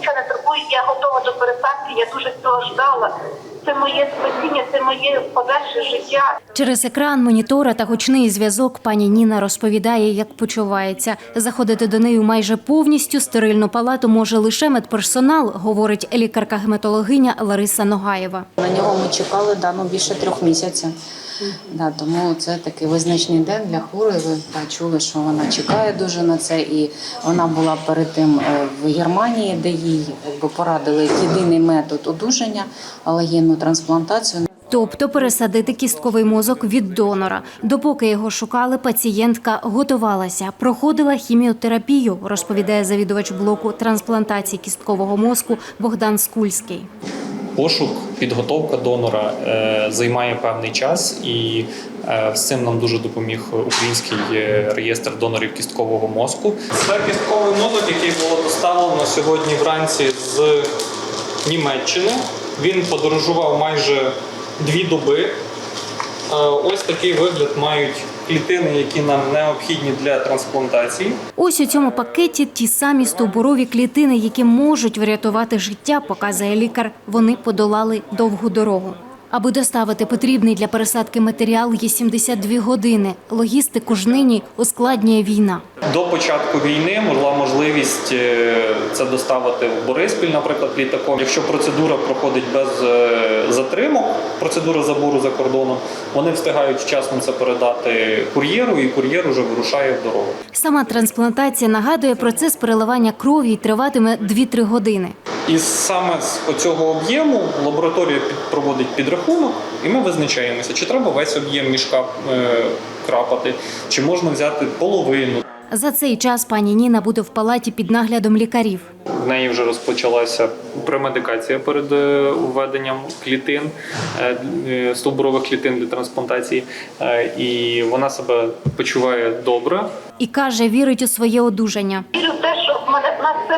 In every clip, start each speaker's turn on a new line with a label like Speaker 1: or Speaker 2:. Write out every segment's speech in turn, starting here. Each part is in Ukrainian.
Speaker 1: нічого не турбує, я готова до пересадки, я дуже цього ждала. Це моє спасіння, це моє подальше життя.
Speaker 2: Через екран монітора та гучний зв'язок пані Ніна розповідає, як почувається. Заходити до неї майже повністю стерильну палату може лише медперсонал, говорить лікарка-гематологиня Лариса Ногаєва.
Speaker 3: На нього ми чекали більше 3 місяців. Тому це такий визначний день для хворої. Ви чули, що вона чекає дуже на це. І вона була перед тим в Германії, де їй порадили єдиний метод одужання – алогенну трансплантацію.
Speaker 2: Тобто пересадити кістковий мозок від донора. Допоки його шукали, пацієнтка готувалася, проходила хіміотерапію, розповідає завідувач блоку трансплантації кісткового мозку Богдан Скульський.
Speaker 4: Пошук, підготовка донора займає певний час, і з цим нам дуже допоміг Український реєстр донорів кісткового мозку. Це кістковий мозок, який було доставлено сьогодні вранці з Німеччини. Він подорожував майже 2 доби. Ось такий вигляд мають клітини, які нам необхідні для трансплантації.
Speaker 2: Ось у цьому пакеті ті самі стовбурові клітини, які можуть врятувати життя, показує лікар. Вони подолали довгу дорогу. Аби доставити потрібний для пересадки матеріал, є 72 години. Логістику ж нині ускладнює війна.
Speaker 4: До початку війни була можливість це доставити в Бориспіль, наприклад, літаком. Якщо процедура проходить без затримок, процедура забору за кордоном, вони встигають вчасно це передати кур'єру, і кур'єр уже вирушає в дорогу.
Speaker 2: Сама трансплантація нагадує процес переливання крові і триватиме 2-3 години.
Speaker 4: І саме з цього об'єму лабораторія проводить підрахунок, і ми визначаємося, чи треба весь об'єм мішка крапати, чи можна взяти половину.
Speaker 2: За цей час пані Ніна буде в палаті під наглядом лікарів.
Speaker 4: В неї вже розпочалася премедикація перед введенням клітин, стовбурових клітин для трансплантації, і вона себе почуває добре.
Speaker 2: І каже, вірить у своє одужання.
Speaker 1: Вірю в те, що в нас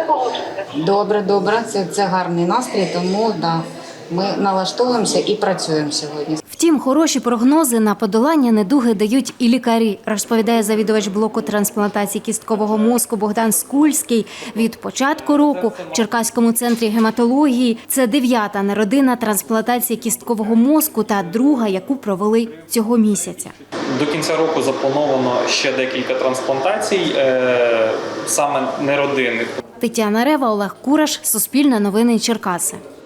Speaker 1: все вийде.
Speaker 3: Добре. Це гарний настрій, тому ми налаштовуємося і працюємо сьогодні.
Speaker 2: Втім, хороші прогнози на подолання недуги дають і лікарі, розповідає завідувач блоку трансплантації кісткового мозку Богдан Скульський. Від початку року в Черкаському центрі гематології це 9-та неродинна трансплантація кісткового мозку та 2-га, яку провели цього місяця.
Speaker 4: До кінця року заплановано ще декілька трансплантацій, саме неродинних.
Speaker 2: Тетяна Рева, Олег Кураш, Суспільне новини Черкаси.